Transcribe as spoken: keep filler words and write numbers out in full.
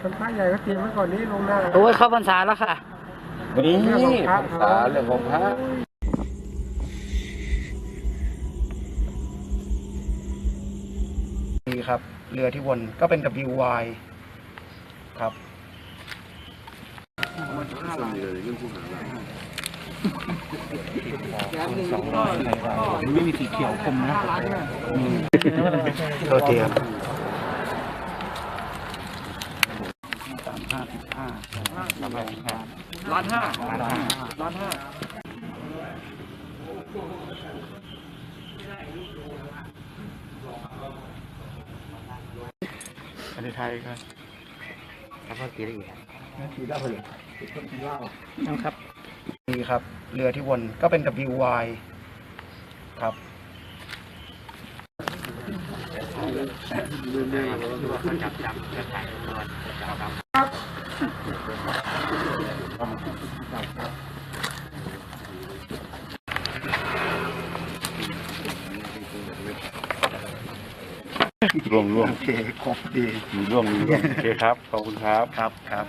คนพระใหญ่ก็เตรียมไว้ก่อนนี้ลงหน้าโอ้ยเข้าพรรษาแล้วค่ะนี่พรรษาเรื่องของพระนี่ครับเรือที่วนก็เป็น ดับเบิลยู วาย ครับสองร้อยไม่มีสีเขียวคมนะโทษทีครับสามห้าสิบห้าล้านห้าล้านห้าล้านห้าอันนี้ไทยครับแล้วก็ตีได้อีกตีได้เลยตีเหล้านะครับนี่ครับเรือที่วนก็เป็น ดับเบิลยู วาย ครับจับจับจะถ่ายตัวร่วงร่วงโอเคครบดีมีร่วงมีร่วงโอเคครับขอบคุณครับครับครับ